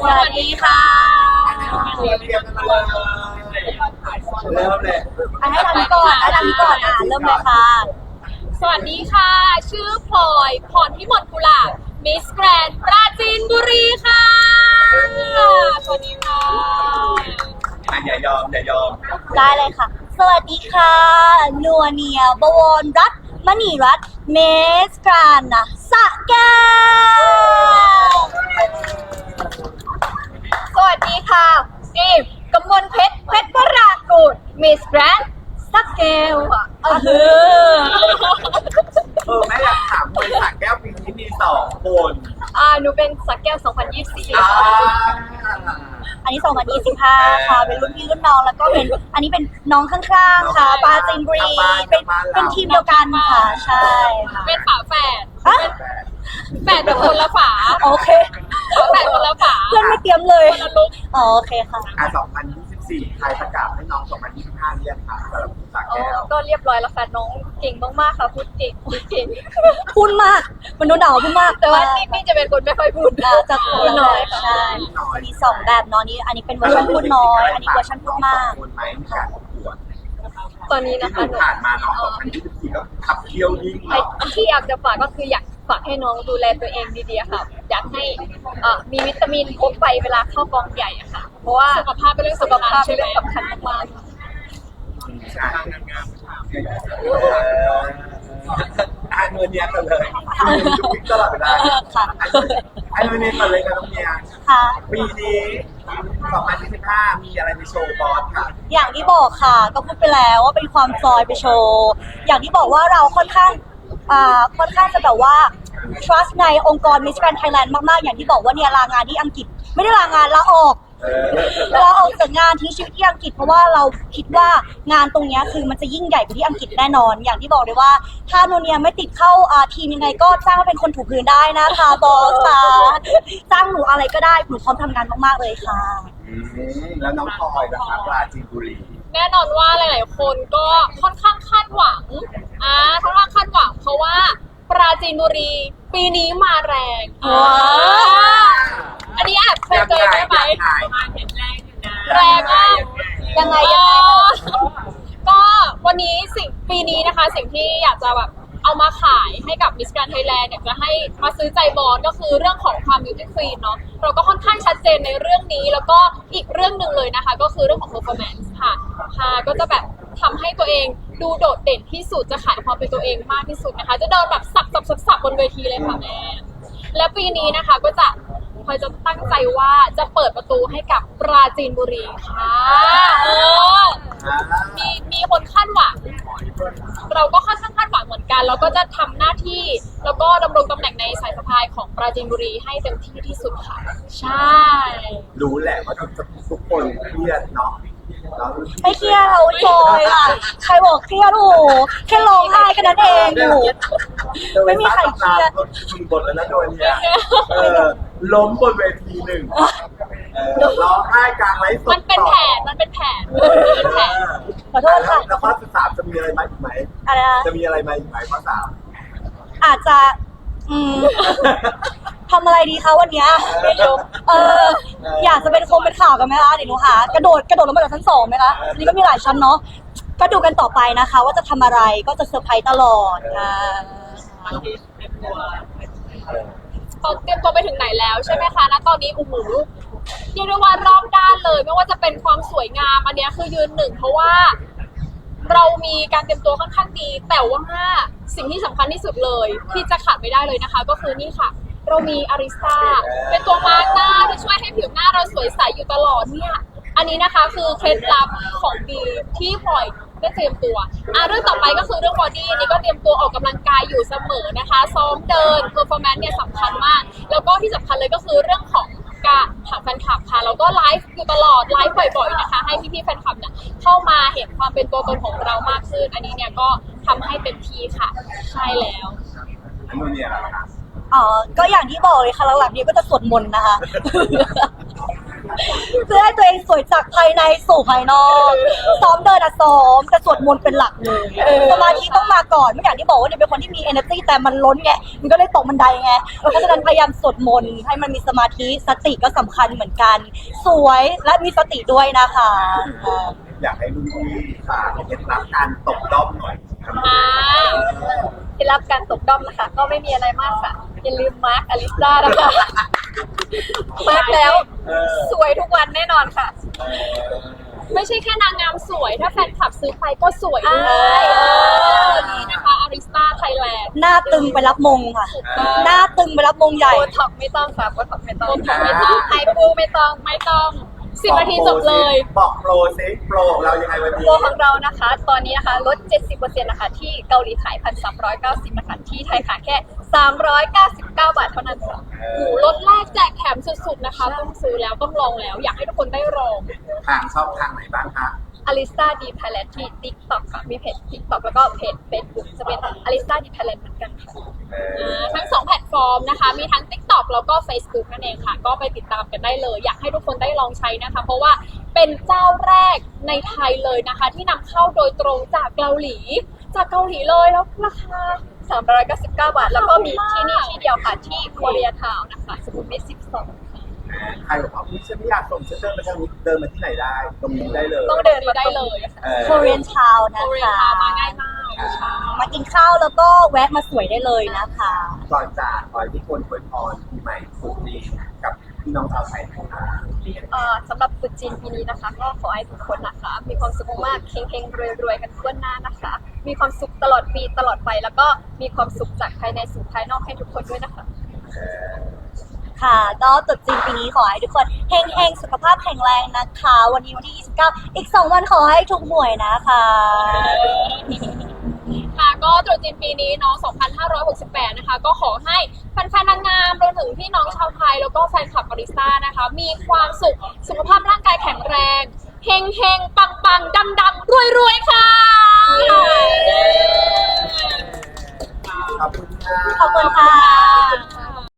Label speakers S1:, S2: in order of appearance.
S1: สวัสดีค่ะ
S2: เรียนกันมาเริ่มเลย
S1: ให้ทำก่อนเริ่มเลยค่ะ
S3: สวัสดีค่ะ ชื่อพลอยพรพิมลกุลาบมิสแกรนด์ปราจีนบุรีค่ะ สวัสดีค่ะ
S2: อย่ายอม
S1: ได้เลยค่ะ สวัสดีค่ะนัวเนียบวรรัตน์มณีรัตน์เมสกรานนะสะแก้ว
S3: สวัสดีค่ะอีฟกมลเพชรพรากูดมิสแกรนด์สักแก้วค่ะ
S2: แม่อยากถามคนสักแก้วปีนี้มี2 คน
S3: หนูเป็นสักแก้ว 2024
S1: อันนี้2025ค่ะเป็นรุ่นพี่รุ่นน้องแล้วก็เป็นอันนี้เป็นน้องข้างๆค่ะปราจีนบุรีเป็นทีมเดียวกันค่ะใช่ค่ะ
S3: เป็นฝาแฝด
S1: อะ
S3: แฝดแบบคนละฝา
S1: โอเค
S3: แฝดคนละฝา
S1: เพื่อนไม่เตรียมเลย
S3: คนละลุก
S1: อ๋อโอเคค่ะ
S2: 2024ใครประกาศให้น้อง2025เรียกค่ะสำหรับสักแก้ว
S3: ก็เรียบร้อยแล้วค่ะน้องเก่งมากๆค่ะพูดเก่ง
S1: พูดมากมันโดนด่าพูดมาก
S3: แต่ว่านี่จะเป็นคนไม่ค่อยพูด
S1: จะพูดน้อยใช่มี2แบบเนาะนี้อันนี้เป็นเวอร์ชันพูดน้อยอันนี้เวอร์ชันพูดมาก
S2: คนไหมในการประกวด
S3: ตอนนี้นะ
S2: ที่
S3: คะ
S2: ผ่านมาน้อง2024ก็ขับเคี่ยวยิ่ง
S3: ที่อยากจะฝากก็คืออยากฝากให้น้องดูแลตัวเองดีๆค่ะอยากให้มีวิตามินครบไปเวลาเข้ากองใหญ่อะค่ะ เพราะว่าสุขภาพเป็นเรื่องสำคัญมากๆ
S2: เงินเนียกันเลยยุคตลอดเวลาไอ้เงินเนียกันเลยค่ะน้องเนีย
S1: ค่ะ
S2: ปีนี้2025มีอะไรในโชว์บอสค่ะ
S1: อย่างที่บอกค่ะก็พูดไปแล้วว่าเป็นความซอยไปโชว์อย่างที่บอกว่าเราค่อนข้างจะแบบว่า trust ในองค์กร Miss Grand Thailand มากๆอย่างที่บอกว่าเนี่ยลางานที่อังกฤษไม่ได้ลางานลาออกจากงานทิ้งชีวิตที่อังกฤษเพราะว่าเราคิดว่างานตรงนี้คือมันจะยิ่งใหญ่กว่าที่อังกฤษแน่นอน อย่างที่บอกเลยว่าถ้าโนเนียไม่ติดเข้าทีมยังไงก็จ้างมาเป็นคนถูพื้นได้นะคะบอสค่ะจ้างหนูอะไรก็ได้หนูพร้อมทำงานมากๆเลยค่ะ
S2: แล้วน้องพลอยนะคะปราจีนบุรี
S3: แน่นอนว่าหลายๆคนก็ค่อนข้างคาดหวังค่อนข้างคาดหวังเพราะว่าปราจีนบุรีปีนี้มาแรง อันนี้แอบเคยเจอได้ไหมแรงมาก
S1: ยังไง
S3: ก็วันนี้ปีนี้นะคะสิ่งที่อยากจะแบบเอามาขายให้กับ Miss Grand Thailand อยากจะให้มาซื้อใจบอสก็คือเรื่องของความ beauty queen เนาะเราก็ค่อนข้างชัดเจนในเรื่องนี้แล้วก็อีกเรื่องหนึ่งเลยนะคะก็คือเรื่องของ performance ค่ะก็จะแบบทำให้ตัวเองดูโดดเด่นที่สุดจะขายความเป็นตัวเองมากที่สุดนะคะจะเดินแบบสับบนเวทีเลยค่ะแม่และปีนี้นะคะก็จะพลอยจะตั้งใจว่าจะเปิดประตูให้กับปราจีนบุรีค่ะมีคนคาดหวังเราก็ค่อนข้างคาดหวังเหมือนกันแล้วก็จะทำหน้าที่แล้วก็ดำรงตำแหน่งในสายสะพายของปราจีนบุรีให้เต็มที่ที่สุดค่ะใช่
S2: รู้แหละว่าทุกคนเครียดเนาะ
S1: ไม่เครียดเราจอยค่ะใครบอกเครียดโอ้โหแค่ร้องไห้แค่นั้นเองอยู่ไม่มีใครเครียด
S2: มีบทแล้วนะโดยเนี่ยล้มบนเวทีหนึ่งร้องไห้กลางไลฟ์สด
S3: มันเป็นแผน
S1: ขอโทษค่ะ
S2: แล้วข้อ13จะมีอะไรมาอีกไหม
S1: อะไรนะ
S2: จะมีอะไรมาอีกไหมข้อ3
S1: อาจจะทำอะไรดีคะวันเนี้ยไม่รู้อยากจะเป็นข่าวกันไหมคะเดี๋ยวหนูหากระโดดลงมาจากชั้น2ไหมคะอันนี้ก็มีหลายชั้นเนาะก็ดูกันต่อไปนะคะว่าจะทำอะไรก็จะเซอร์ไพรส์ตลอดค่ะ
S3: เขาเตรียมตัวไปถึงไหนแล้วใช่ไหมคะณตอนนี้โอ้โหเรียกได้ว่ารอบด้านเลยไม่ว่าจะเป็นความสวยงามอันนี้คือยืนหนึ่งเพราะว่าเรามีการเตรียมตัวค่อนข้างดีแต่ว่าสิ่งที่สำคัญที่สุดเลยที่จะขาดไม่ได้เลยนะคะก็คือนี่ค่ะเรามีอาริสตาเป็นตัวมาร์กหน้าที่ช่วยให้ผิวหน้าเราสวยใสอยู่ตลอดเนี่ยอันนี้นะคะคือเคล็ดลับของดีที่พลอยได้เตรียมตัวเรื่องต่อไปก็คือเรื่องบอดี้นี่ก็เตรียมตัวออกกำลังกายอยู่เสมอนะคะซ้อมเดินเพอร์ฟอร์แมนซ์เนี่ยสำคัญมากแล้วก็ที่สำคัญเลยก็คือเรื่องของการหาแฟนคลับค่ะแล้วก็ไลฟ์อยู่ตลอดไลฟ์บ่อยๆนะคะให้พี่ๆแฟนคลับเนี่ยเข้ามาเห็นความเป็นตัวตนของเรามากขึ้นอันนี้เนี่ยก็ทำให้เต็มที่ค่ะใช่แล้ว
S2: อันนู้นเนี่ยอะไรคะ
S1: ก็อย่างที่บอกเลยค่ะหลังๆนี้ก็จะสวดมนต์นะคะเพื่อให้ตัวเองสวยจากภายในสู่ภายนอกซ้อมเดินอะซ้อมแต่สวดมนต์เป็นหลักเลยสมาธิต้องมาก่อนไม่อย่างที่บอกว่าเนี่ยเป็นคนที่มี energy แต่มันล้นไงมันก็เลยตกบันไดไงเพราะฉะนั้นพยายามสวดมนต์ให้มันมีสมาธิสติก็สำคัญเหมือนกัน สวยและมีสติด้วยนะคะ
S2: อยากให้รุ่นพี่ฝากเคล็ดลับการตบด้อมหน่อยครับ
S3: อ่า
S4: เคล็ดลับการตกด้อมนะคะ ก็ไม่มีอะไรมากค่ะ อย่าลืมมาร์คอลิซ่านะคะ มาร์คแล้ว สวยทุกวันแน่นอนค่ะ
S3: ไม่ใช่แค่นางงามสวย ถ้าแฟนคลับซื้อไปก็สวยด้วย
S4: ใช่
S3: นี่นะคะอาริสตาไทยแลนด์
S1: หน้าตึงไปรับมงค่ะ หน้าตึงไปรับมงใหญ่
S4: โบท็อกไม่ต้องค่ะโบท็อกไม่ต้อง
S3: โบท็อกไม่ต้อง
S4: ไฮปูไม่ต้อง
S3: ไม่ต้อง10 นาทีจบเลย
S2: บอกโปรซิโปรของเรายังไงวันนี้
S4: โปรของเรานะคะ ตอนนี้นะคะลด 70%นะคะที่เกาหลีขาย 1,390 นะคะที่ไทยขายแค่ 399 บาทเท่านั้นค่ะ
S3: หมูรถแรกแจกแถมสุดๆนะคะ ต้องซื้อแล้วต้องลองแล้ว อยากให้ทุกคนได้ลอง
S2: ทางช่องทางไหนบ้างคะ
S4: อลิซาดีไทยแลนด์ที่ TikTok ค่ะ มีเพจ TikTok แล้วก็เพจ Facebook จะเป็นอลิซาดีไทยแลนด์เหมือนกันค่ะ
S3: ทั้ง 2 แพลตฟอร์มนะคะ มีทั้ง TikTok แล้วก็ Facebook นั่นเองค่ะ ก็ไปติดตามกันได้เลย อยากให้ทุกคนได้ลองใช้นะคะ เพราะว่าเป็นเจ้าแรกในไทยเลยนะคะ ที่นำเข้าโดยตรงจากเกาหลี เลยแล้วราคา
S4: 399 บาท แล้วก็มีที่นี่ที่เดียวค่ะ ที่โคเรียทาวน์นะคะสุขุมวิท12
S2: ใครบอกว่าอุ๊ยฉันไม่อยากส่งฉันเดินมาทางนี้เดินมาที่ไหนได้ ตรงนี้ได้เลย
S4: ต้องเดินมา
S3: ได้
S4: ตรง
S3: เล
S4: นี้
S3: ย
S1: Korean Town
S3: โค
S1: นะ
S3: เรีย
S1: คะ
S3: นมาง่ายมาก
S1: มากินข้าวแล้วก็แวะมาสวยได้เลยนะคะ
S2: ก่อนจากขอให้ทุกคนอวยพรปีใหม่สุดดีกับพี่น้องชาวไทยนะคะ
S4: สำหรับตรุษจีนปีนี้นะคะ ก็ขอให้ทุกคนนะคะ มีความสุขมากๆเฮงๆรวยๆกันทั่วหน้านะคะ มีความสุขตลอดปีตลอดไป แล้วก็มีความสุขจากภายในสู่ภายนอกให้ทุกคนด้วยนะคะ
S1: ค่ะก็ตรุษจีนปีนี้ขอให้ทุกคนเฮงๆสุขภาพแข็งแรงนะคะ วันนี้วันที่ 29 อีก 2 วันขอให้ถูกหวยนะคะ
S3: ค่ะก็ตรุษจีนปีนี้เน้อง2568 นะคะ ก็ขอให้แฟนๆนางงามรวมถึงพี่น้องชาวไทย แล้วก็แฟนคลับบาริสต้านะคะ มีความสุขสุขภาพร่างกายแข็งแรง เฮงๆ ปังๆ ดังๆ รวยๆ ค่ะ
S2: ขอบคุณค่ะ
S1: ขอบคุณค่ะ